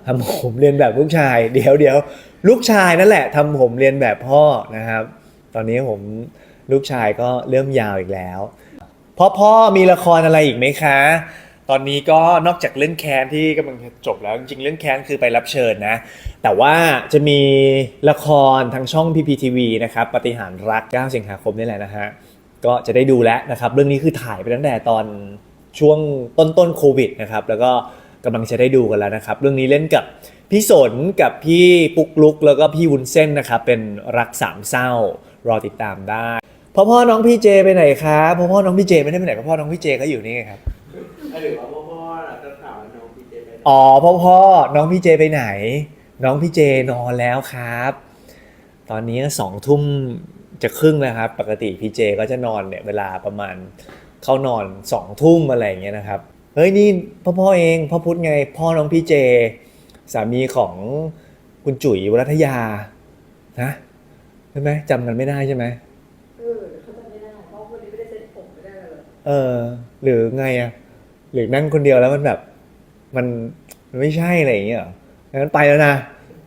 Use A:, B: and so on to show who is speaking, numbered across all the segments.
A: ทำผมเรียนแบบลูกชายเดี๋ยวลูกชายนั่นแหละทำผมเรียนแบบพ่อนะครับตอนนี้ผมลูกชายก็เริ่มยาวอีกแล้วพ่อมีละครอะไรอีกไหมคะตอนนี้ก็นอกจากเรื่องแค้นที่กำลังจะจบแล้วจริงๆเรื่องแค้นคือไปรับเชิญนะแต่ว่าจะมีละครทางช่อง PPTV นะครับปาฏิหาริย์รัก9 สิงหาคมนี่แหละนะฮะก็จะได้ดูแล้วนะครับเรื่องนี้คือถ่ายไปตั้งแต่ตอนช่วงต้นโควิดนะครับแล้วก็กำลังจะได้ดูกันแล้วนะครับเรื่องนี้เล่นกับพี่สนกับพี่ปุ๊กลุกแล้วก็พี่วุ้นเส้นนะครับเป็นรักสามเศร้ารอติดตามได้พ่อน้องพี่เจไปไหนครับพ่อน้องพี่เจไม่ได้ไปไหนพ่อน้องพี่เจก็อยู่นี่ไงครับ
B: หรือว่าพ่อจะถามน้องพีเจไปไหน
A: อ๋อพ่อน้องพี่เจไปไหนน้องพี่เจนอนแล้วครับตอนนี้20:30จะครึ่งแล้วครับปกติพี่เจก็จะนอนเนี่ยเวลาประมาณเข้านอน20:00อะไรอย่างเงี้ยนะครับเฮ้ยนี่พ่อเองพ่อพุธไงพ่อน้องพี่เจสามีของคุณจุ๋ยวรัตยานะใช่ไหมจำกันไม่ได้ใช่ไหม
C: เขาจำไม่ได้เพราะวันนี้ไม่ได้เซ็ตผมไม่ได้เลย
A: หรือไงอะหรือนั่งคนเดียวแล้วมันแบบมันไม่ใช่อะไรอย่างเงี้ยเหรองั้นไปแล้วนะ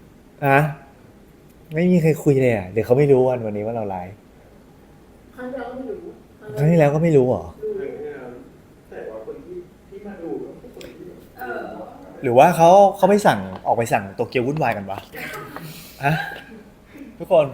A: ไม่มีใครคุยเลยอ่ะเดี๋ยวเขาไม่รู้วันนี้ว่าเราไลฟ์
C: ครั้งที่แล้วก็ไม่รู้
A: ครั้งที่แล้วก็ไม่รู้เหรอ
B: แต่ว่าคนที่มาดูก็คือคนที่
A: หรือว่าเขาไม่สั่งออกไปสั่งโตเกียววุ่นวายกันวะทุกคน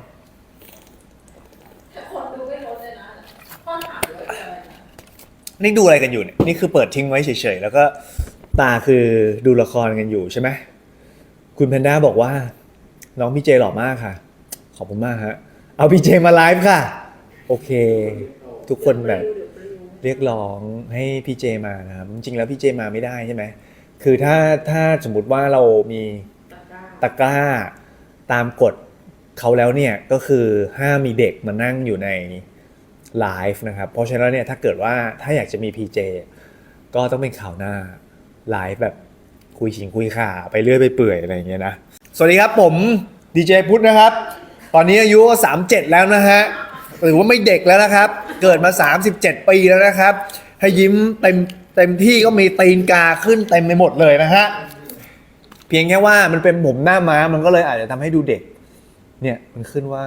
C: ดูไม่ลดเลยนะพ่อถามเลย
A: นี่ดูอะไรกันอยู่เนี่ยนี่คือเปิดทิ้งไว้เฉยๆแล้วก็ตาคือดูละครกันอยู่ใช่ไหมคุณแพนด้าบอกว่าน้องพี่เจหล่อมากค่ะขอบคุณมากฮะเอาพี่เจมาไลฟ์ค่ะโอเคทุกคนแบบเรียกร้องให้พี่เจมานะครับจริงๆแล้วพี่เจมาไม่ได้ใช่ไหมคือถ้าสมมุติว่าเรามีตะกร้าตามกฎเขาแล้วเนี่ยก็คือห้ามมีเด็กมานั่งอยู่ในไลฟ์นะครับเพราะฉะนั้นเนี่ยถ้าเกิดว่าถ้าอยากจะมี PJ ก็ต้องเป็นข่าวหน้าไลฟ์แบบคุยคุยข่าไปเรื่อยไปเปื่อยอะไรอย่างเงี้ยนะสวัสดีครับผมดีเจพุทธนะครับตอนนี้อายุ37แล้วนะฮะหรือว่าไม่เด็กแล้วนะครับเกิดมา37ปีแล้วนะครับให้ยิ้มเต็มที่ก็มีตีนกาขึ้นเต็มไปหมดเลยนะฮะเพียงแค่ว่ามันเป็นผมหน้าม้ามันก็เลยอาจจะทำให้ดูเด็กเนี่ยมันขึ้นว่า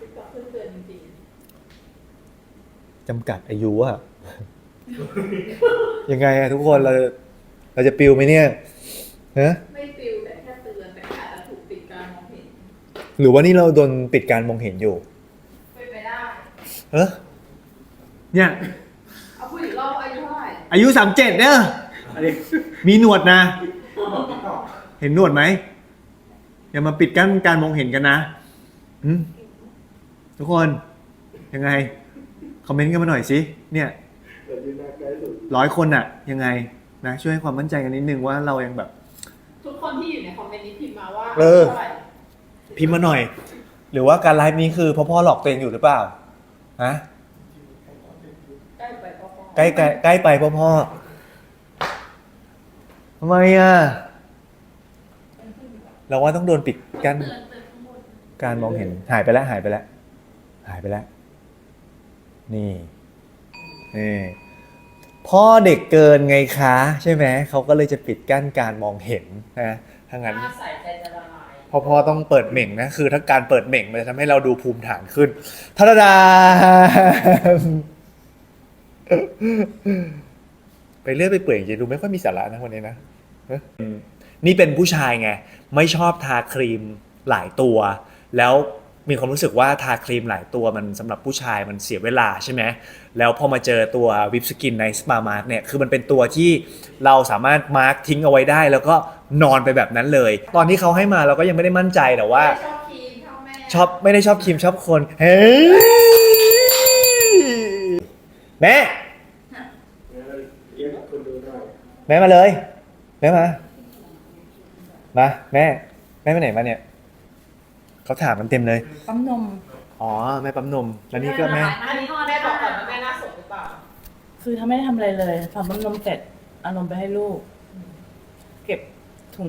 A: จำกัดอายุอะยังไงอะทุกคนเราจะปิวไหมเนี่ยฮะ
C: ไม่ปิวแต่แค่เตือนแต่อาจจะถูกปิดการมองเห็น
A: หรือว่านี่เราโดนปิดการมองเห็นอยู่
C: เป็นไปได้
A: เนี่ย
C: เอาพูดอีกรอบอายุเท่าไหร่
A: อายุ37เนี่ยมีหนวดนะเห็นหนวดไหมอย่ามาปิดกั้นการมองเห็นกันนะทุกคนยังไงคอมเมนต์กันมาหน่อยสิเนี่ย100 คนอะยังไงนะช่วยให้ความมั่นใจกันนิดนึงว่าเรายังแบบ
C: ทุกคนที่อยู่ในคอมเมนต์นี้พิมพ์มาว่า
A: เท่าไหร่พิมพ์มาหน่อยหรือว่าการไลฟ์นี้คือพ่อหลอกตัวเองอยู่หรือเปล่าฮะ
C: ใกล้ไปพ่อ
A: ใกล้ไปพ่อทำไมอะเราว่าต้องโดนปิดกั้นการมองเห็นหายไปแล้วนี่พ่อเด็กเกินไงคะใช่ไหมเขาก็เลยจะปิดกั้นการมองเห็นนะถ้างั้นพ่อต้องเปิดเหม่งนะคือถ้าการเปิดเหม่งมันจะทำให้เราดูภูมิฐานขึ้นทาดาไปเรื่อยไปเปื่อยจะดูไม่ค่อยมีสาระนะวันนี้นะนี่เป็นผู้ชายไงไม่ชอบทาครีมหลายตัวแล้วมีความรู้สึกว่าทาครีมหลายตัวมันสำหรับผู้ชายมันเสียเวลาใช่ไหมแล้วพอมาเจอตัววิปสกินในสปามาร์กเนี่ยคือมันเป็นตัวที่เราสามารถมาร์กทิ้งเอาไว้ได้แล้วก็นอนไปแบบนั้นเลยตอนที่เขาให้มาเราก็ยังไม่ได้มั่นใจแต่ว่า
C: ชอบครีมชอบแม่
A: ชอบไม่ได้ชอบครีมชอบคนเฮ้ยแม่มาเลยแม่มาแม่ไปไหนมาเนี่ยเขาถามกันเต็มเลย
D: ปั๊มนม
A: อ๋อแม่ปั๊มนมแล้วนี่ก็แม่
C: แม่บอกก่อนว่าแม่น่าสนหรือเปล่า
D: คือถ้าไม่ได้ทำอะไรเลยทำปั๊มนมเสร็จเอานมไปให้ลูกเก็บถุง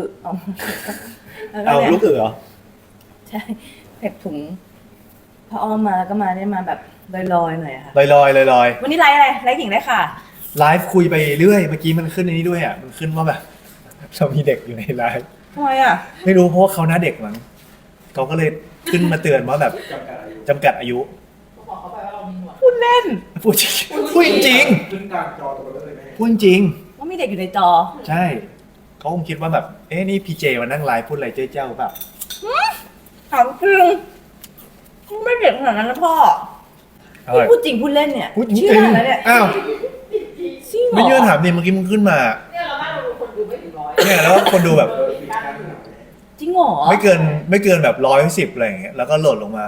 A: เอาลูกเหรอ
D: ใช่เก็บถุงพออ้อมมาแล้วก็มาได้มาแบบลอยๆหน่อยค่ะ
A: ลอย
D: วันนี้ไลฟ์อะไรไลฟ์หญิงได้ค่ะ
A: ไลฟ์คุยไปเรื่อยเมื่อกี้มันขึ้นในนี้ด้วยอ่ะมันขึ้นว่าแบบเรามีเด็กอยู่ในไลฟ์
D: ทำไมอ่ะ
A: ไม่รู้เพราะว่าเขาหน้าเด็กมั้งเขาก็เลยขึ้นมาเตือนว่าแบบ
B: จำกัดอายุ
A: จำกัดอายุ
C: บอกเขาไปว่าเรามีหนวด
D: พูดเล่น
A: พูดจริงพูดจริง
B: ขึ้นกลางจอตัวเลยแม่
A: พูดจริง
D: ว่ามีเด็กอยู่ในจอ
A: ใช่เขาคงคิดว่าแบบเอ๊ะนี่พีเจมานั่งไลฟ์พูดอะไรเจ้าเจ้าแบบ
D: ถามจริงไม่เด็กขนาดนั้นนะพ่อ
A: อะไร
D: พี่พูดจริงพูดเล่นเนี่ย
A: พูดจริง
D: เชื่อแล้วเนี่ย
A: อ้าว
D: จริงเหรอ
A: ไม่เชื่อถามดิเมื่อกี้มึงขึ้นมา
C: เนี่ยเราบ้านเราดูคนดูไม่ถึงร้อย
A: เนี่ยแล้วคนดูแบบ
B: ปิดกั้นหน่อย
D: จริงเหรอ
A: ไม่เกินแบบ110อะไรอย่างเงี้ยแล้วก็โหลดลงมา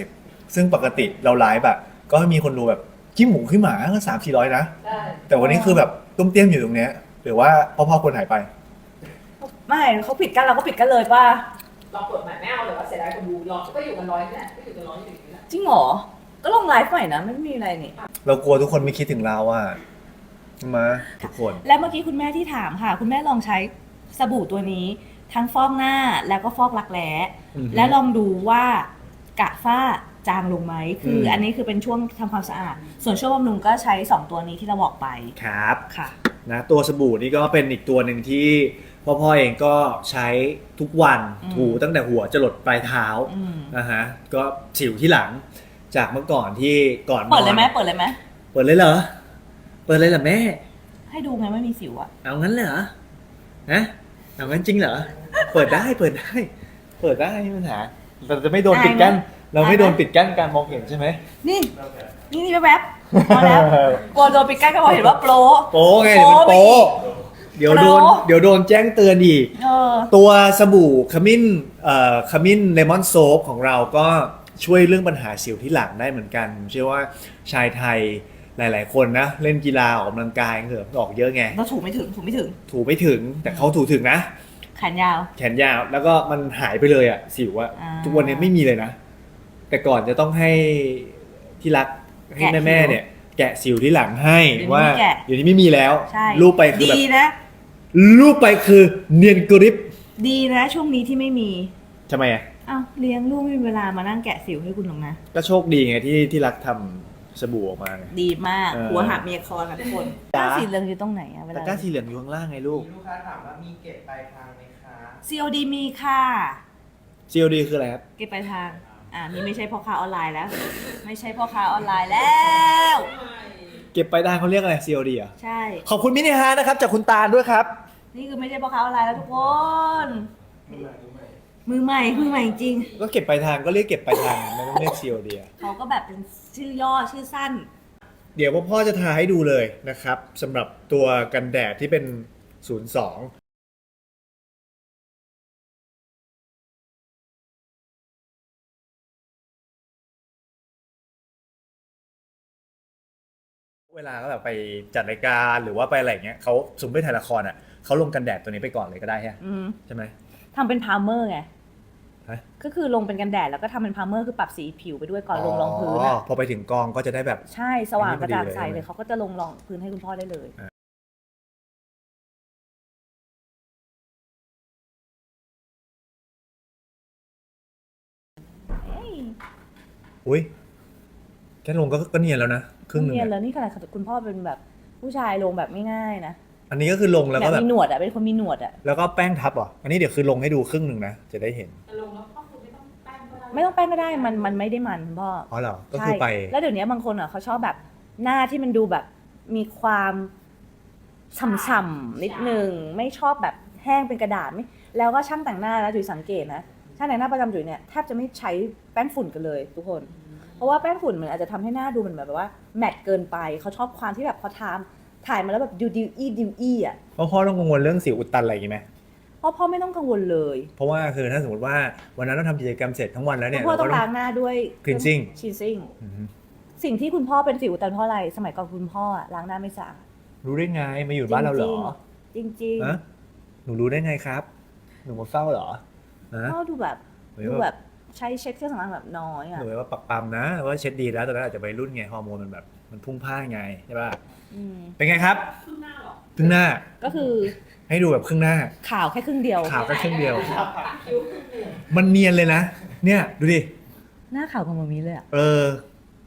A: 80ซึ่งปกติเราไลฟ์แบบก็มีคนดูแบบขี้หมูขี้หมาก็300-400นะ
C: ได้
A: แต่วันนี้คือแบบตุ้มเตี้ยมอยู่ตรงเนี้ยหรือว่าพ่อคนหายไป
D: ไม่เขาปิดกันเราก็ปิดกันเลยป่ะ
C: เราเปิดใหม่ไม่เอาเลยว่าเสียดายคนดูรอก็อยู่กันร้อยนี่แหละก็อยู่กันร้อยอยู่อย่างนี้แหละ
D: จริงเหรอ ก็ลองไลฟ์ใหม่นะไม่มีอะไรนี่
A: เรากลัวทุกคนไม่คิดถึงเราอ่ะมาทุกคน
D: และเมื่อกี้คุณแม่ที่ถามค่ะ คุณแม่ลองใช้สบู่ตัวนี้ ทั้งฟอกหน้าแล้วก็ฟอกรักแร้
A: อือฮึ
D: และลองดูว่ากระฝ้าจางลงไหมคืออันนี้คือเป็นช่วงทำความสะอาด ส่วนช่วงบำรุงก็ใช้ 2 ตัวนี้ที่เราบอกไป
A: ครับ
D: ค่ะ
A: นะตัวสบู่นี่ก็เป็นอีกตัวหนึ่งที่พ่อเองก็ใช้ทุกวัน
D: อืม
A: ถูตั้งแต่หัวจะหลดปลายเท้า
D: อืม
A: นะฮะก็สิวที่หลังจากเมื่อก่อนที่ก่อนนอน
D: เปิดเลยไหมเปิดเลยไหม
A: เปิดเลยเหรอเปิดเลยเหรอแม่
D: ให้ดูไงไม่มีสิวอะ
A: เอางั้นเลยเหรอนะเอางั้นจริงเหรอเปิดได้เปิดได้ไม่มีปัญหาเราจะไม่โดนปิดกั้นเราไม่โดนปิดกั้นการมองเห็นใช่ไหม
D: นี่นี่แวบๆมาแล้วกลัวโดนปิดกั้นก็บอกเห็นว่าโปร
A: โป๊ไงเดี๋ยวมันโป๊เดี๋ยวโดน
D: โป๊
A: เดี๋ยวโดนแจ้งเตือนอีก
D: เออ
A: ตัวสบู่ขมิ้นเลมอนโซฟของเราก็ช่วยเรื่องปัญหาสิวที่หลังได้เหมือนกันผมเชื่อว่าชายไทยหลาย ๆ คนนะ เล่นกีฬาออกกำลังกายเหงื่อออกเยอะไง
D: เราถูไม่ถึง
A: ถูไม่ถึงแต่เขาถูถึงนะ
D: แขนยาว
A: แขนยาวแล้วก็มันหายไปเลยอะสิวอะ
D: อ่า
A: ทุกวันนี้ไม่มีเลยนะ แต่ก่อนจะต้องให้ที่รักให้
D: แกะ
A: แม่
D: สิว
A: ๆเนี่ย แกะสิวที่หลังให้
D: เดี๋ยวนี้
A: ว่า
D: ไม่แกะ
A: เดี๋ยวนี้ไม่มีแล้ว
D: ใช่
A: รูปไปคือแบบ
D: ดีนะ
A: รูปไปคือเนียนกริบ
D: ดีนะ ช่วงนี้ที่ไม่มี
A: ทำไมอะ
D: อ้าวเลี้ยงลูกไม่มีเวลามานั่งแกะสิวให้คุณหรอกนะ
A: ก็โชคดีไงที่รักทำสบู่ออกมาไง
D: ดีมาก
A: เออ
D: หัวหักเมียคอนค่ะทุกคน
A: จ๊ะ
D: สีเหลืองอยู่ตรงไหนอะเว
A: ตะ
D: ลาก
A: ร้าสีเหลืองอยู่ข้างล่างไงลูก
B: มีลูกค้าถามว่ามีเก็บปลายทางไหมคะ
D: COD มีค่ะ
A: COD คืออะไรครับ
D: เก็บปลายทางนี่ไม่ใช่พ่อค้าออนไลน์แล้ว ไม่ใช่พ่อค้าออนไลน์แล้ว
A: เก็บไปลายทางเขาเรียกอะไร COD อ่ะ
D: ใช่
A: ขอบคุณมินิฮาร์ทนะครับจากคุณตาลด้วยครับ
D: นี่คือไม่ใช่พ่อค้าออนไลน์แล้วทุกคน
B: มือใหม่
D: มือใหม่จริง
A: ก็เก็บไปลายทางก็เรียกเก็บไปลายทางไม่ต้องเรียก COD อ่ะ
D: เขาก็แบบเป็นชื่อย่อชื่อสั้น
A: เดี๋ยวพ่อจะทาให้ดูเลยนะครับสำหรับตัวกันแดดที่เป็น 02 เวลาก็แบบไปจัดรายการหรือว่าไปอะไรอย่างเงี้ยเขาสมมติไปถ่ายละครอ่ะเขาลงกันแดดตัวนี้ไปก่อนเลยก็ได้ใช่
D: อืม
A: ใช่ไหม
D: ทำเป็นพาวเมอร์ไง
A: ฮะ
D: ก็คือลงเป็นกันแดดแล้วก็ทำเป็นพาวเมอร์คือปรับสีผิวไปด้วยก่อนลงรองพื้นอะ
A: พอไปถึงกองก็จะได้แบบ
D: ใช่สว่างกระจ่างใส
A: อันนี้พอดีเลย
D: เลยเขาก็จะลงรองพื้นให้คุณพ่อได้เลย เอ้ย
A: อุ้ยแค่ลงก็เนียนแล้วนะครึ่งหนึง
D: เนียน
A: อะ
D: แล้วนี่ขนาดคุณพ่อเป็นแบบผู้ชายลงแบบไม่ง่ายนะ
A: อันนี้ก็คือลงแล้ว
D: แบ
A: ก็
D: บ
A: แบบ
D: มีหนวดอะเป็นคนมีหนวดอะ
A: แล้วก็แป้งทับเหรออันนี้เดี๋ยวคือลงให้ดูครึ่งหนึ่งนะจะได้เห็น
C: แต่ลงแล้วก็คือไม่ต้องแป้งก็ได้
D: ไม่ต้องแป้งก็ได้มันไม่ได้มันคุณพ่อ
A: อ๋อเหรอก็คือไป
D: ใช่แล้วเดี๋ยวนี้บางคนอ่ะเขาชอบแบบหน้าที่มันดูแบบมีความฉ่ำๆนิดนึงไม่ชอบแบบแห้งเป็นกระดาษไม่แล้วก็ช่างแต่งหน้านะจุ๋ยสังเกตนะช่างแต่งหน้าประจำจุ๋ยเนี่ยแทบจะไม่ใช้แป้งฝุ่นกันเลยทุกคน เพราะว่าแป้งฝุ่นมันอาจจะทำให้หน้าดูมันแบบว่าแมตต์เกินไปเขาชอบความที่แบบพอถ่ายมาแล้วแบบดิวอ่ะ
A: เพราะพ่อต้องกังวลเรื่องสิวอุดตันอะไรอย่างงี้ไหม
D: เพราะพ่อไม่ต้องกังวลเลย
A: เพราะว่าคือถ้าสมมติว่าวันนั้นเราทำกิจกรรมเสร็จทั้งวันแล้วเนี่ย
D: พ่อต้อง
A: เรก็
D: ล้างหน้าด้วย
A: cleansing
D: cleansing
A: อือฮึ
D: สิ่งที่คุณพ่อเป็นสิวอุดตันเพราะอะไรสมัยก่อนคุณพ่ออะล้างหน้าไม่สะอาด
A: รู้ได้ไงมาอยู่บ้านเราเหรอ
D: จริงๆ
A: ฮะหนูรู้ได้ไงครับ หนูมาเฝ้าเหรอฮะ
D: พ่อดูแบบ
A: หรือ
D: ดู
A: ว่า
D: แบบใช้เช็ดเครื่องสำอางแบบน้อยอ่ะ
A: หนูว่าปักปั๊มนะว่าเช็ดดีแล้วตอนนั้นอาจจะไปรุ่นไงฮอร์โมนมันแบบมันพุ่งพล่านไงใช่ป่ะ
D: อืม
A: เป็นไงครับ
C: ครึ่งหน้าหรอ
A: ครึ่งหน้า
D: ก็คือ
A: ให้ดูแบบครึ่งหน้า
D: ข่าวแค่ครึ่งเดียว
A: ขาวแค่ครึ่งเดียว
C: คิ้วครึ่งหนึ่ง
A: มันเนียนเลยนะ เนี่ยดูดิ
D: หน้าข่าวของมามีเลยอ่ะ
A: เออ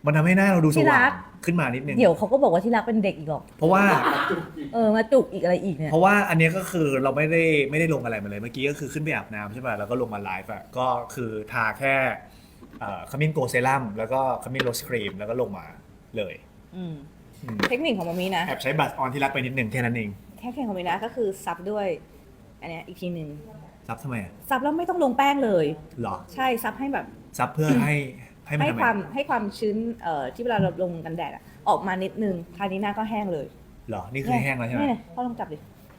A: มันทำให้หน้าเราดูส
D: ที่รั
A: ว่าง
D: ก
A: ขึ้นมานิดนึง
D: เดี๋ยวเขาก็บอกว่าที่รักเป็นเด็กอีกหรอก
A: เพราะว่า
D: มาจุกอีกอะไรอีกเนี่ย
A: เพราะว่าอันเนี้ยก็คือเราไม่ได้ลงอะไรมาเลยเมื่อกี้ก็คือขึ้นไปอาบน้ำใช่ป่ะแล้วก็ลงมาไลฟ์อะก็คือทาแค่ขมิ้นโกเซรั่มแล้วก็ขมิ้นโรสครีมแล้วก็ลงมาเลย
D: อืม
A: อืม
D: เทคนิคของมามีนะ
A: แอบใช้บัตรออนที่รักไปนิดนึงแค่นั้นเอง
D: แค่เทคนิคของมามีนะก็คือซับด้วย อันเนี้ยอีกทีหนึ่ง
A: ซับทำไมอะ
D: ซับแล้วไม่ต้องลงแป้งเลย
A: หรอ
D: ใช่ซับให้แบบ
A: ซับเพื่อให้มัน
D: ให้
A: ทำไม
D: ความชื้นที่เวลาเราลงกันแดดอะออกมานิดนึงคราวนี้หน้าก็แห้งเลย
A: หรอนี่คือแห้งแล้วใช่ไหม
D: นี่พ่อลองจับดิ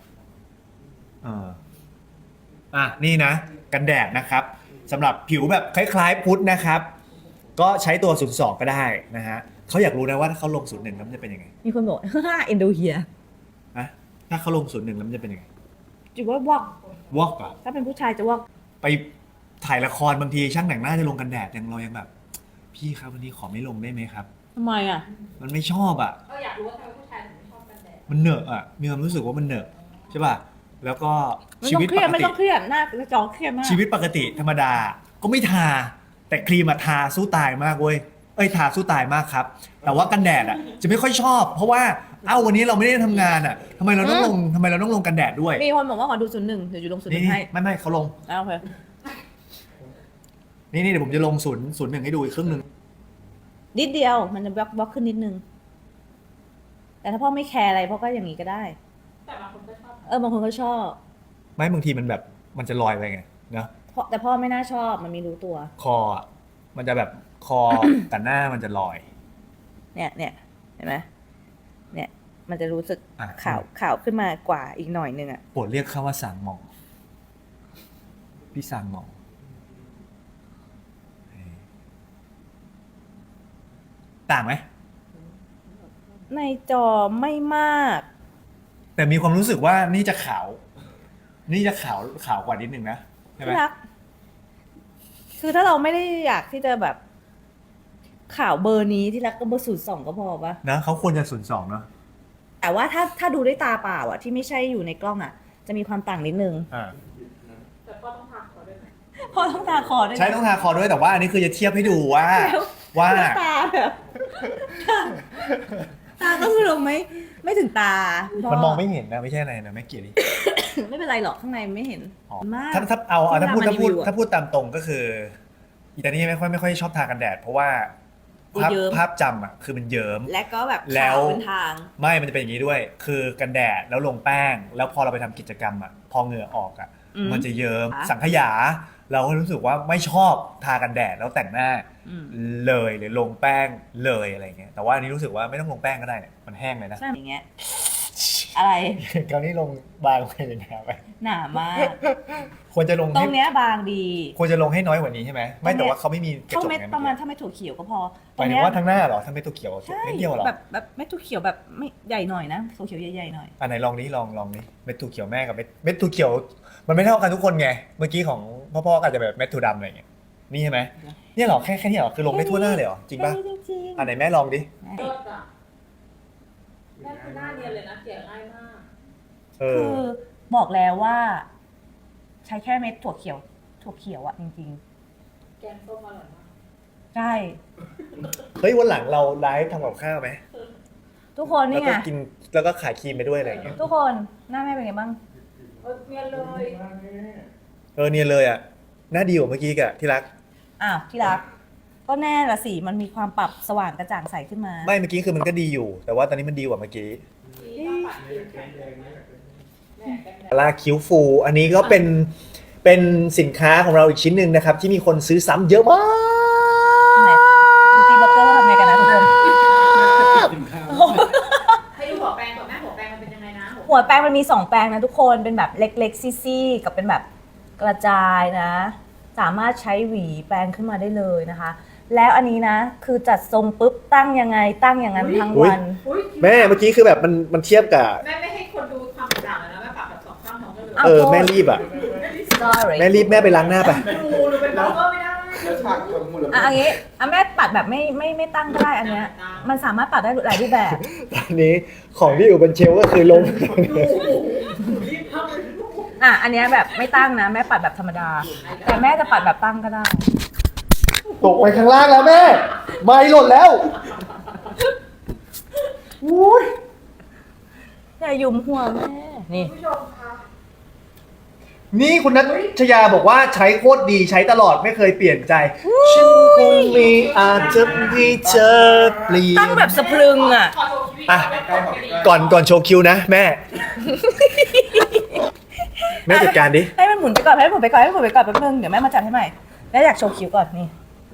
A: นี่นะ กันแดดนะครับสำหรับผิวแบบคล้ายๆพุทธนะครับ ก็ใช้ตัว02ก็ได้นะฮะเขาอยากรู้นะว่าถ้าเขาลง01แล้วมันจะเป็นยังไง
D: มีคนบอก เอ็นโดเฮีย
A: นะถ้าเขาลง01แล้วมันจะเป็นยังไง
D: จุดว่าวอก
A: วอกอ่ะ
D: ถ้าเป็นผู้ชายจะวอก
A: ไปถ่ายละครบางทีช่างแต่งหน้าจะลงกันแดดเรายังแบบ พี่ครับวันนี้ขอไม่ลงได้ไหมครับ
D: ทำไมอ่ะ
A: มันไม่ชอบอ่ะ
C: อยากรู้ว่าทำไมผู้ชายถึงไม่ชอบกันแดด
A: มันเหนอะอ่ะมีความรู้สึกว่ามันเหนอะใช่ป่ะแล้วก็
D: ไม่
A: ชี
D: ต้อ
A: วิต
D: งเครี
A: ป
D: ยด
A: ก
D: ไม่
A: ติ
D: ต้องเครียดหน้าจะจอเครียดมาก
A: ชีวิตปกติธรรมดาก็ไม่ทา แต่ครีมอะทาสู้ตายมากเว้ยทาสู้ตายมากครับ แต่ว่ากันแดดอะจะไม่ค่อยชอบ เพราะว่าวันนี้เราไม่ได้ทำงานอะทำไมเราต้องลงกันแดดด้วย
D: มีคนบอกว่าขอดู01เดี๋ยวอยู่ลง01
A: นี่
D: ให้
A: ไม่เขาลง
D: โอเค
A: นี่เดี๋ยวผมจะลง01ให้ดูอีกครึ่งหนึ่ง
D: นิดเดียวมันจะบล็อกขึ้นนิดนึง แต่ถ้าพ่อไม่แคร์อะไรพ่อก็อย่างนี้ก็ได้
C: แต่บางคนก็ชอบ
D: บางคนก็ชอบ
A: ไม่บางทีมันแบบมันจะลอยไปไงเนาะ
D: แต่พ่อไม่น่าชอบมันมีรู้ตัว
A: คออะมันจะแบบคอ กับหน้ามันจะลอย
D: เนี่ยเห็นไหมเนี่ย มันจะรู้สึก
A: อ่ะ
D: ขาวขึ้นมากว่าอีกหน่อยนึงอ่ะ
A: โปรดเรียกเขาว่าสางหมองพี่สางหมองต่างไหม
D: ในจอไม่มาก
A: แต่มีความรู้สึกว่านี่จะขาวกว่านิดนึงนะใช่ไหม
D: ที่รัก คือถ้าเราไม่ได้อยากที่จะแบบข่าวเบอร์นี้ที่รักก็เบอร์02ก็พอปะ
A: นะเขาควรจะ02เนาะ
D: แต่ว่าถ้าดูด้วยตาเปล่าอ่ะที่ไม่ใช่อยู่ในกล้องอ่ะ จะมีความต่างนิดนึง
C: แต่ก็ต้องทาเขาด้วยไหม
D: พอต้องตาคอด้วยนะ
A: ใช้ต้องทาคอด้วยแต่ว่าอันนี้คือจะเทียบให้ดูว่า
D: แล้วตาแบบตาก็คือเราไม่ถึงตา
A: มันมองไม่เห็นนะไม่ใช่อะไรนะไม่เกี่ยวดิ
D: ไม่เป็นไรหรอกข้างในไม่เห็น
A: อ๋อ
D: มาก
A: ถ้าพูด
D: ที่นำมารีวิวอะ
A: ถ้าพูดตามตรงก็คืออีตานี่ไม่ค่อยชอบทากันแดดเพราะว่า
D: เยิ้ม
A: ภาพจำอ่ะคือมันเยิ้ม
D: และก็แบบ
A: แล้
D: ขาว วเป็นทาง
A: ไม่มันจะเป็นอย่างนี้ด้วย คือกันแดดแล้วลงแป้ง แล้วพอเราไปทำกิจกรรมอ่ะพอเหงื่อออกอ่ะ
D: อืม
A: มันจะเยิ้ม
D: ค่ะ
A: สังขยา เราก็รู้สึกว่าไม่ชอบทากันแดดแล้วแต่งหน้า
D: อืม
A: เลยหรือลงแป้งเลยอะไรเงี้ยแต่ว่าอันนี้รู้สึกว่าไม่ต้องลงแป้งก็ได้เนี่ยมันแห้งเลยนะ
D: ใช่อย่างเงี้ย อะไร
A: คราวนี้ลงบางไปเลยนะไป
D: หนามาก
A: ควรจะลง
D: ตร
A: ให้
D: งเนี้ยบางดี
A: ควรจะลงให้น้อยกว่านี้ใช่ไหมไม่แต่ว่าเขาไม่มีกระ
D: เท่า
A: จก
D: เม็ด
A: ไง
D: ประมาณถ้าเม็ดถั่วเขียวก็พอ
A: หมายถึงว่าทั้งหน้าเหรอถ้าไม่ตัวเขียว
D: ใช่
A: ไม่เดียวเหรอ
D: แบบเม็ดถั่วเขียวแบบไม่ใหญ่หน่อยนะถั่วเขียวใหญ่ๆหน่อย
A: อันไหนลองนี้ลองนี้เม็ดถั่วเขียวแม่กับเม็ดถั่วเขียว มันไม่เท่ากันทุกคนไงเมื่อกี้ของพ่ออาจจะแบบเม็ดถั่วดำอะไรเงี้ยนี่ใช่ไหมเนี่ยเหรอแค่นี้เหรอคือลงได้ทั่วหน้าเลยเหรอจริงป่ะ
D: จริง
A: อันไหนแม่ลองดิ
C: เลิศอ่ะแม่คือหน้าเนียนเลยนะเกลี่ยง่ายมาก
A: เอ
D: ๆ
A: อ
D: คือบอกแล้วว่า ใช้แค่เม็ดถั่วเขียวอะจริง
C: แกงส้มอร่อยมาก
D: ๆ ใช่
A: เฮ้ยวันหลังเราไลฟ์ทำกับข้าวไหม
D: ทุกคน
A: แล้ว
D: นี่
A: ก็
D: ไง
A: กินแล้วก็ขายครีมไปด้วยอะไรเงี้ย
D: ทุกคนหน้าแม่เป็นไงบ้าง
C: เนียนเลย
A: เนียนเลยอ่ะหน้าดีกว่าเมื่อกี้กะที่รัก
D: อ้าวที่รัก ก็แน่ละสิมันมีความปรับสว่างกระจ่างใสขึ้นมา
A: ไม่เมื่อกี้คือมันก็ดีอยู่ แต่ว่าตอนนี้มันดีกว่าเมื่อกี้
C: ที่ต้องปัดคิ้วแข็งแม่แกงแดด
A: ลาคิ้วฟูอันนี้ก็เป็นสินค้าของเราอีกชิ้นหนึ่งนะครับ ที่มีคนซื้อซ้ำเยอะมาก
D: ไหนดูตีบัตเตอร์ทำไงกันนะทุกคน
C: ให้ดูหัวแปรงก่อนแม่หัวแปรงมันเป็นยังไงนะ
D: หัวแปรงมันมี2แปรงนะทุกคนเป็นแบบเล็กๆซี่ๆกับเป็นแบบกระจายนะ สามารถใช้หวีแปรงขึ้นมาได้เลยนะคะ แล้วอันนี้นะคือจัดทรงปุ๊บตั้งยังไงตั้งอย่างนั้นทั้งวัน
C: อุ๊ย
A: แม่เมื่อกี้คือแบบมันเทียบกับ
C: แม่ไม่ให้คนดูความต่างเลยนะแม่ปรับแบบสองข้างท้องกันเลย
D: อ้าว
A: แม่รีบอ่ะ
D: sorry
A: แม่รีบแม่ไปล้างหน้าไป
C: ดูหรือเป็นบล็อกเกอร์ไม่ได้
B: แล้วฉากทั้งหมดเลย
D: อันนี้แม่ปัดแบบไม่ตั้งก็ได้อันเนี้ยมันสามารถปัดได้หลายรูปแบบ
A: ตอนนี้ของที่อยู่บนเชลฟ์ก็คือลง
C: รีบทำเลยลูก
D: อันเนี้ยแบบไม่ตั้งนะแม่ปัดแบบธรรมดา แต่แม่จะปัดแบบตั้งก็ได้
A: ตกไปข้างล่างแล้วแม่ ไม่หล่นแล้วอุ้ย
D: อย่าหยุมหัวแม่ นี่
C: ผู้ชมคะ
A: นี่คุณนัชยาบอกว่าใช้โคตรดีใช้ตลอดไม่เคยเปลี่ยนใจ ฉันคงมีอาจจะมีเจอเปลี่ยน
D: ตั้งแบบสะพรึงอ่ะ
C: ขอโชว์ชีวิต
A: อ่ะ
C: ใกล้ๆดี
A: ก่อนโชว์คิวนะแม่ แม่จัดการดิ
D: ให้มันหมุนไปก่อนให้มันหมุนไปก่อนให้มันหมุนไปก่อนแป๊บนึงเดี๋ยวแม่มาจัดให้ใหม่แล้วอยากโชว์คิ้วก่อนนี่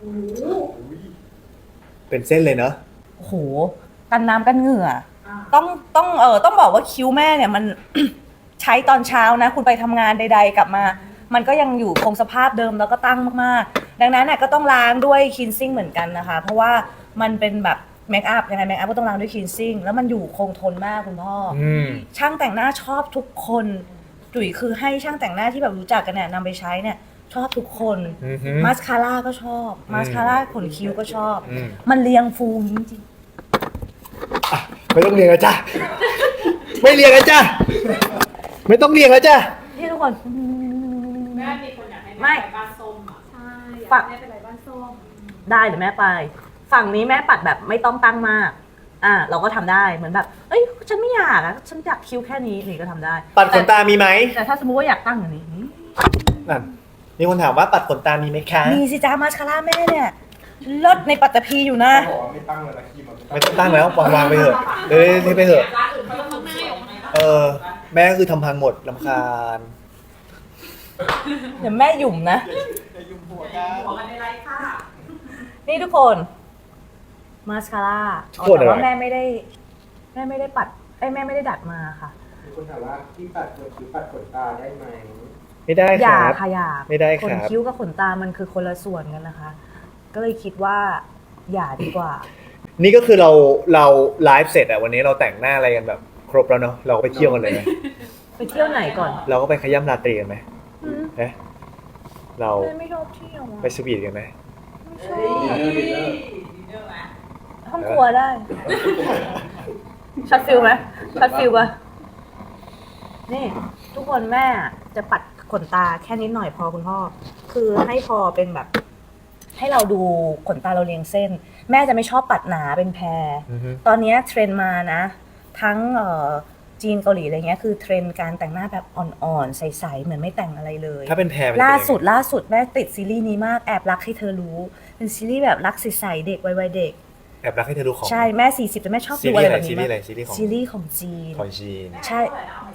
A: เป็นเส้นเลยเนอะ
D: โอ้โหกันน้ำกันเหงื่อต้องบอกว่าคิ้วแม่เนี่ยมัน ใช้ตอนเช้านะ คุณไปทำงานใด ๆ กลับมา มันก็ยังอยู่คงสภาพเดิมแล้วก็ตั้งมากๆ ดังนั้นเนี่ยก็ต้องล้างด้วยคลีนซิ่งเหมือนกันนะคะ เพราะว่ามันเป็นแบบเมคอัพยังไงเมคอัพก็ต้องล้างด้วยคลีนซิ่งแล้วมันอยู่คงทนมากคุณพ่ออ
A: อืม
D: ช่างแต่งหน้าชอบทุกคนจุ๋ยคือให้ช่างแต่งหน้าที่แบบรู้จักกันเนี่ยนำไปใช้เนี่ยชอบทุกคน
A: อือฮึ
D: มาสคาร่าก็ชอบมาสคาร่าขนคิ้วก็ชอบ
A: อืม
D: มันเรียงฟูจริง
A: อ่ะไม่ต้องเรียงแล้วจ้ะไม่เรียงแล้วจ้ะไม่ต้องเรียงแล้วจ้ะ
D: ๆนี่ทุกคน
C: แม่มีคนอยากให้
D: ไม่
C: แม่ไปบ้านส้มอ่ะใช่
D: ฝัก
C: แม่เป็นไรบ้านส้ม
D: ได้เดี๋ยวแม่ไป ฝั่งนี้แม่ปัดแบบไม่ต้องตั้งมาก เราก็ทำได้เหมือนแบบเอ้ยฉันไม่อยากอะฉันอยากคิ้วแค่นี้นี่ก็ทำได้
A: ปัดขนตามีไหม
D: แต่ถ้าสมมติว่าอยากตั้งอย่างนี้
A: นั่นมีคนถามว่าปัดขนตามีไหมคะ
D: มีสิจ้ามาสคาร่าแม่เนี่ยลดในปัตตภีอยู่นะ
B: บอกว่าไม่ตั้งเลยนะคีมัน
A: ไม่ต้องตั้งแล้ววางไปเถอะเอ้ยให้ไปเถอะ
C: ร้านอื่นเขาต้องทำเสียงไงนะ
A: เออ แม่ก็คือทำพังหมดลำคาญ
D: เดี๋ยวแม่หยุ่มนะ
B: จะยุ่งหัว
C: หั
B: กัน
C: วกันในไรค่ะ
D: นี่ทุกคนมาสคาร่าแต่ว่าแม่ไม่ได้ปัดแม่ไม่ได้ดัดมาค่ะ
B: มีคนถามว่าที่ปัดขนคิ้วปัดขนตาได้ไหม
A: ไม่ได้
D: อ
A: ค
D: ย่า
A: รับ
D: ค่ะอย่า
A: ไม่ได้
D: ขน
A: ครับ
D: คิ้วกับขนตามันคือคนละส่วนกันนะคะ ก็เลยคิดว่าอย่าดีกว่า
A: นี่ก็คือเราไลฟ์เสร็จอะวันนี้เราแต่งหน้าอะไรกันแบบ ครบแล้วเนาะเราก็ไปเที่ยวกันเลยไหม
D: ไปเที่ยวไหนก่อน
A: เราก็ไปขย้ำราตรีกันไหม
D: อืม
A: เอ๊ะเรา
D: แม่ไม่ชอบเที่ยวอะ
A: ไปสวีทกันไหม
D: ไม่ชอ
C: เฮ้ย
D: บ
C: ดีเนอร์ไหม
D: ห้องครัวได้ ช็อตฟิลไหมช็อตฟิลปะนี่ ทุกคนแม่จะปัดขนตาแค่นิดหน่อยพอคุณพ่อ คือให้พอเป็นแบบ ให้เราดูขนตาเราเรียงเส้น แม่จะไม่ชอบปัดหนาเป็นแพร
A: อือฮึ
D: ตอนเนี้ยเทรนด์มานะ ทั้งจีนเกาหลีอะไรเงี้ยคือเทรนด์การแต่งหน้าแบบอ่อนๆ ใสๆเหมือนไม่แต่งอะไรเลย
A: ถ้าเป็นแพรมันจะเป็น
D: ล่า
A: ยังไง
D: สุดแม่ติดซีรีส์นี้มากแอบรักให้เธอรู้ เป็นซีรีส์แบบรักใสๆเด็กวัยเด็ก
A: แอบรักให้เธอดูของ
D: ใช่แม่40แต่แม่ชอบ
A: ซี
D: ดู
A: รี
D: อะไร
A: ส์อะไร
D: แบบ
A: ซี
D: นี้
A: รีส์อะไร
D: มาก
A: ซีรีส์ของ
D: ซีรีส์ของจีน
A: ของจีน
D: ใช่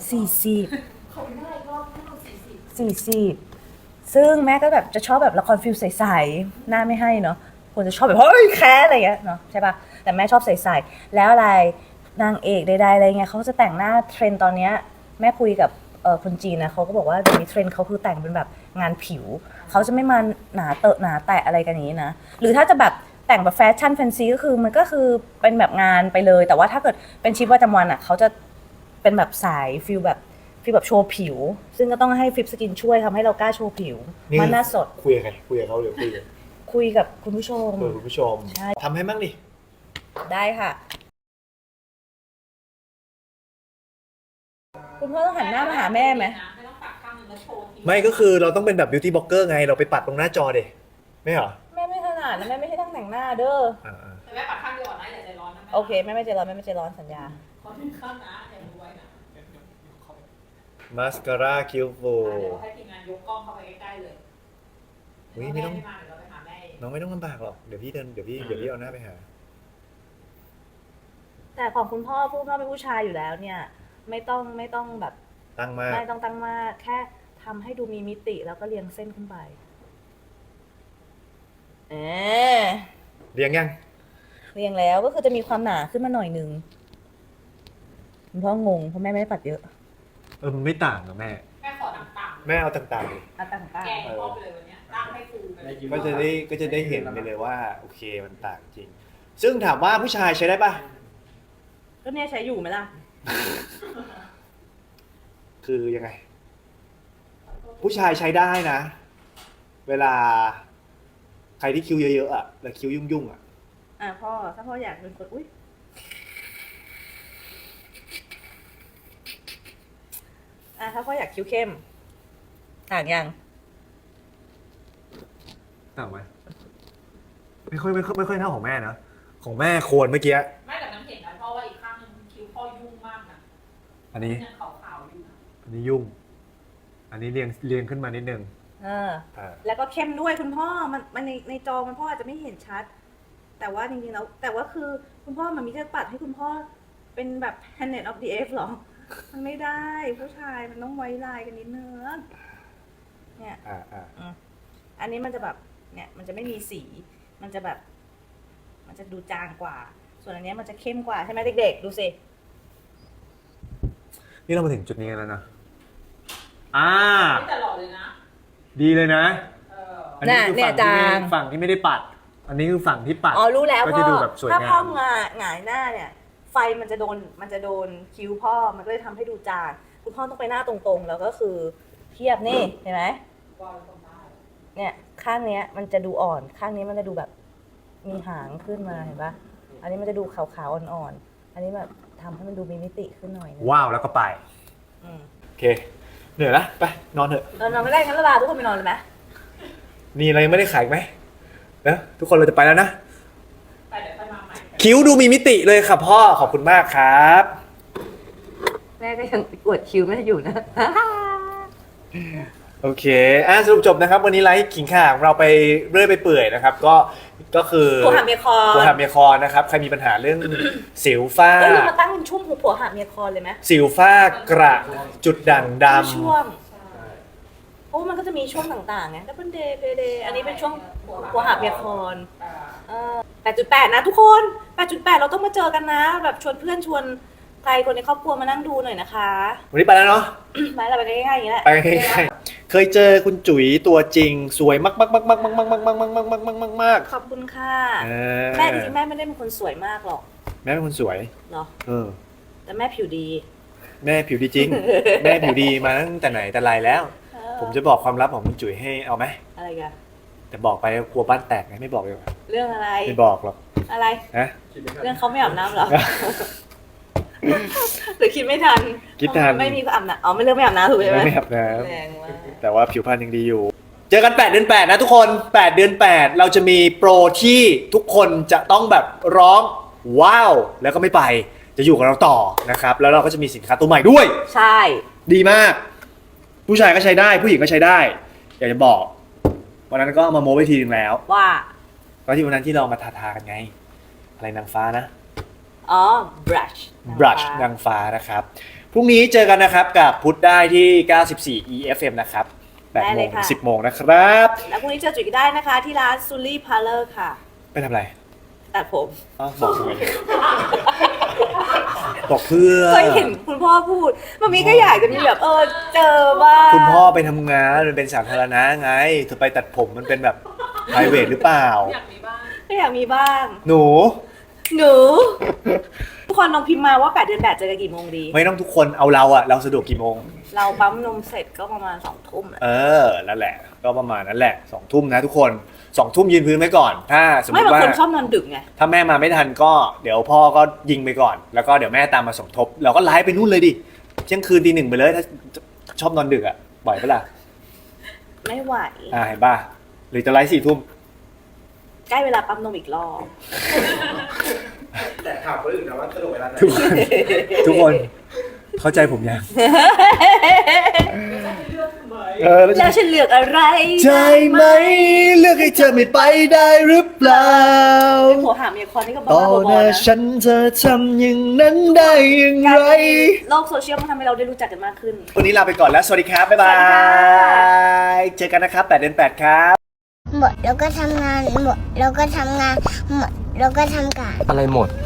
D: 40
C: ขอบคุณได้รอบให้เรา
D: 40
C: 40
D: ซึ่งแม่ก็แบบจะชอบแบบละครฟิลใสๆหน้าไม่ให้เนาะคนจะชอบแบบเฮ้ยแค้อะไรอย่างเงี้ยเนาะใช่ปะแต่แม่ชอบใสๆแล้วอะไรนางเอกใดๆอะไรเงี้ยเขาจะแต่งหน้าเทรนด์ตอนเนี้ยแม่คุยกับคนจีนนะเขาก็บอกว่าเดี๋ยวนี้เทรนด์เขาคือแต่งเป็นแบบงานผิวเขาจะไม่มาหนาเตอะหนาแตะอะไรกันอย่างนี้นะหรือถ้าจะแบบแต่งแบบแฟชั่นแฟนซีก็คือมันก็คือเป็นแบบงานไปเลย แต่ว่าถ้าเกิดเป็นชีวิตประจำวันอ่ะเขาจะเป็นแบบสายฟิลแบบโชว์ผิว ซึ่งก็ต้องให้ฟิปสกินช่วยทำให้เรากล้าโชว์ผิว
A: นี่
D: มันน่าสด
A: คุยกับใครคุยกับเขาหรือคุยกับ
D: คุยกับคุณผู้ชม
A: คุณผู้ชม
D: ใช่
A: ทำให้มั่งดิ
D: ได้ค่ะ คุณพ่อต้องหันหน้ามาหาแม่ไหม
C: ไม่ต้องปักข้างนึงแล้วโชว์ที
A: ไม่ก็คือเราต้องเป็นแบบบิวตี้บล็อกเกอร์ไงเราไปปัดตรงหน้าจอเด็ไม่เหรอ
D: แม่ไม่ถนัดนะแม่ไม่ใช่ช่างแต่งหน้าเด้อ
A: อ่า
C: แต่แม่ปักข้างเดียวก่อนนะอย่าใจร้อนนะแม่
D: โอเคแม่ไม่ใจร้อนแม่ไม่ใจร้อนสัญญา
C: ขอถึงข้างนะอย่ารู้ไว้นะ
A: มาสคาร่าคิ้วฟู
C: เดี๋ยวให้ทีมงานยกกล้องเข้าไปใกล้ๆเลย
A: อุ๊ยไม่ต้อง
C: มาเดี๋ยวเราไปหาแม่เอง
A: น้องไม่ต้องลำบากหรอกเดี๋ยวพี่เอาหน้าไปหา
D: แต่ของคุณพ่อพูดว่าเป็นผู้ชายอยู่แล้วเนี่ย ไม่ต้องแบบ
A: ตั้งมาก
D: ไม่ต้องตั้งมากแค่ทำให้ดูมีมิติแล้วก็เรียงเส้นขึ้นไปเออ
A: เรียงยัง
D: เรียงแล้วก็คือจะมีความหนาขึ้นมาหน่อยนึงคุณพ่องงเพราะแม่ไม่ได้ปัดเยอะ
A: มันไม่ต่างกับแม่
C: แม่ขอต่างๆ
A: แม่เอาต่างๆดิ
D: อ่ะต่าง
C: แกงพ่อไปเลยวันเนี้ยตั้งให้ฟูไปเลย
A: ก็จะได้เห็นไปเลยว่าโอเคมันต่างจริง ซึ่งถามว่าผู้ชายใช้ได้ปะ
D: ก็เนี่ยใช้อยู่ไหมล่ะ
A: คือยังไง ผู้ชายใช้ได้นะ เวลา ใครที่คิ้วเยอะๆอ่ะแล้วคิ้วยุ่งๆอ่ะ
D: พ่อถ้าพ่ออยากเป็นคนอุ้ยถ้าพ่ออยากคิ้วเข้มต่างยัง
A: ต่างไหมไม่ค่อยเท่าของแม่นะของแม่โคนเมื่อกี้
C: ไม่แต่น้ำเห็นนะเพราะว่าอีกข้างนึงคิ้วพ่อยุ่งมากนะ
A: อันนี้
C: ยังขาวๆอยู่นะ
A: อันนี้ยุ่ง อันนี้เรียงขึ้นมานิดนึง
D: แล้วก็เข้มด้วยคุณพ่อมันในจอมันพ่ออาจจะไม่เห็นชัด แต่ว่าจริงๆแล้วแต่ว่าคือคุณพ่อมันมีจะปัดให้คุณพ่อเป็นแบบ Planet of the Apes หรอ มันไม่ได้ผู้ชายมันต้องไว้ลายกันนิดนึงเนี่ยอันนี้มันจะแบบเนี่ยมันจะไม่มีสีมันจะแบบมันจะดูจางกว่า ส่วนอันนี้มันจะเข้มกว่าใช่ไหมเด็กๆดูสิ
A: นี่เรามาถึงจุดนี้กันแล้วนะ
C: ไม่แต่หล่อเลยนะ
A: ดีเลยนะ
C: อั
A: นนี้คือฝั่งที่ไม่ได้ปัด อันนี้คือฝั่งที่ปัด
D: อ๋อรู้แล้ว
A: ก็
D: พ่
A: จะ
D: อ
A: ดูแบบสวย
D: ถ้าง
A: า
D: พ่อ
A: ม
D: หงายหน้าเนี่ย ไฟมันจะโดนคิ้วพ่อมันก็เลยทำให้ดูจางคุณพ่อต้องไปหน้าตรงๆ แล้วก็คือเทียบนี่เห็นไหมเนี่ยข้างเนี้ยมันจะดูอ่อนข้างนี้มันจะดูแบบมีหางขึ้นมาเห็นปะอันนี้มันจะดูขาวๆอ่อนๆอันนี้แบบทำให้มันดูมีมิติขึ้นหน่อยนึง
A: ว้าวแล้วก็ไปโอเคเหนื่อยละไปนอนเถอะ
D: นอนไม่ได้งั้นเราลาทุกคนไปนอนเลยไหม
A: มีอะไรไม่ได้ขายไหมนะทุกคนเราจะไปแล้วนะ
C: ไปเดี๋ยวค่อยมาใหม่
A: คิ้วดูมีมิติเลยค่ะพ่อขอบคุณมากครับ
D: แม่ก็ยังกดคิ้วแม่อยู่นะ
A: โอเคสรุปจบนะครับ วันนี้ไลฟ์ขิงข่าของเราไปเรื่อยไปเปื่อยนะครับ ก็คือ
D: ผัวหาเมียคอน
A: ผัวหาเมียคอนนะครับใครมีปัญหาเรื่อง สิวฝ้า
D: เรามาตั้งเป็นช่วงผัวหาเมียคอนเลยไหม
A: สิวฝ้ากระจุดด่างดำ
D: ช่วงเพราะว่ามันก็จะมีช่วงต่างๆไงดับเบิลเดย์เพย์เดย์อันนี้เป็นช่วงผัวหาเมียคอน 8.8 นะทุกคน 8.8 เราต้องมาเจอกันนะ แบบชวนเพื่อนชวนใครคนในครอบครัวมานั่งดูหน่อยนะคะ
A: วันนี้ไปแล้วเนาะ
D: ไปเราไปง่ายๆอย่างนี้แหละ
A: ไปง่ายๆเคยเจอคุณจุ๋ยตัวจริงสวยมากๆๆๆๆๆๆๆๆๆ
D: ขอบคุณค่ะ
A: ๆ
D: แม่จริงๆแม่ไม่ได้เป็นคนสวยมากหรอก
A: แม่เป็นคนสวย
D: เนาะ
A: อ
D: แต่แม่ผิวดี
A: แม่ผิวดีจริง แม่ผิวดีมาตั้งแต่ไหนแต่ไรแล้ว ผมจะบอกความลับของคุณจุ๋ยให้เอาไหม
D: อะไรกัน
A: แต่บอกไปกลัวบ้านแตกไงไม่บอกเลย
D: เรื่องอะไร
A: ไม่บอกหรอก
D: อะไร
A: นะ
D: เรื่องเขาไม่อาบน้ำเหรอ หรือคิดไม่ทัน
A: คิดทัน
D: ไม่มีอาบน้ำอ๋อไม่เรื่องไม่อาบน้ำถูกใช่ไหม
A: ไม่อาบน้
D: แรงมาก
A: ำแต่ว่าผิวพรรณยังดีอยู่ เจอกัน 8 เดือน 8 นะทุกคน 8 เดือน 8 เราจะมีโปรที่ทุกคนจะต้องแบบร้องว้าวแล้วก็ไม่ไปจะอยู่กับเราต่อนะครับแล้วเราก็จะมีสินค้าตัวใหม่ด้วย
D: ใช่
A: ดีมาก ผู้ชายก็ใช้ได้ผู้หญิงก็ใช้ได้ อยากจะบอกวันนั้นก็เอามาโม้ไปทีนึงแล้ว
D: ว่า
A: ก็ที่วันนั้นที่เรามาทากันไง อะไรนางฟ้านะ
D: อ๋อ brush
A: brush นางฟ้านะครับ พรุ่งนี้เจอกันนะครับกับพุทธได้ที่ 94 EFM นะครับ8 โมงถึง 10 โมงนะครับ
D: แล้วพรุ่งนี้เจอจุ๋ยได้นะคะ ที่ร้านซูลี่พาร์เลอร์ค่ะ
A: ไปทำอะไร
D: ตัดผม
A: อ้าวบอกทำไมบอกเพื่อ
D: เคยเห็นคุณพ่อพูดมันมีก็อยากจะมีแบบเจอบ้าง
A: คุณพ่อไปทำงานมันเป็นสาธารณะไงเธอไปตัดผมมันเป็นแบบ private หรือเปล่า
C: อยากมีบ้าง
D: ก็อยากมีบ้าง
A: หนู
D: ทุกคนลองพิมพ์มาว่า8 เดือน 8เจอกันกี่โมงดี
A: ไม่ต้องทุกคนเอาเราสะดวกกี่โมง
D: เราปั๊มนมเสร็จก็ประมาณ2 ทุ่ม
A: นั่นแหละ ก็ประมาณนั้นแหละ 2 ทุ่มนะทุกคน 2 ทุ่มยืนพื้นไว้ก่อน ถ้าสมม
D: ไม่
A: ติ
D: บาง
A: ว่า
D: คนชอบนอนดึกไง
A: ถ้าแม่มาไม่ทันก็เดี๋ยวพ่อก็ยิงไปก่อน แล้วก็เดี๋ยวแม่ตามมาสมทบ เราก็ไลฟ์ไปนู่นเลยดิเที่ยงคืนตี 1ไปเลยถ้าชอบนอนดึกอ่ะบ่อยปะล่ะ
D: ไม่ไหว
A: เห็นป่ะหรือจะไลฟ์4 ทุ่ม
D: ใกล้เวลาปั๊มนมอีกรอบ
B: แต่ถามคนอื่นนะว่าสะดวกเวลาไหน
A: ทุกคนเข้าใจผมยัง
D: แล้วฉันเลือกอะไร
A: ใจไหมเลือกให้เธอไม่ไปได้หรือเปล่า
D: ผัวหาเมียคอนนี่ก็บ้า
A: ต่อห
D: ๆ
A: น้า
D: นะ
A: ฉันเธอทำอย่างนั้นได้อย่าง
D: การ
A: ไร
D: ที่โลกโซเชียลมันทำให้เราได้รู้จักกันมากขึ้น
A: วันนี้ลาไปก่อนแล้ว สวัสดีครับ บ๊ายบา
D: สวัสดีค่
A: ย เจอกันนะครับ8 เดือน 8 ครับ
E: หมดแล้วก็ทำงานหมดแล้วก็ทำงานหมดแล้วก็ทำการ
F: อะไรหมด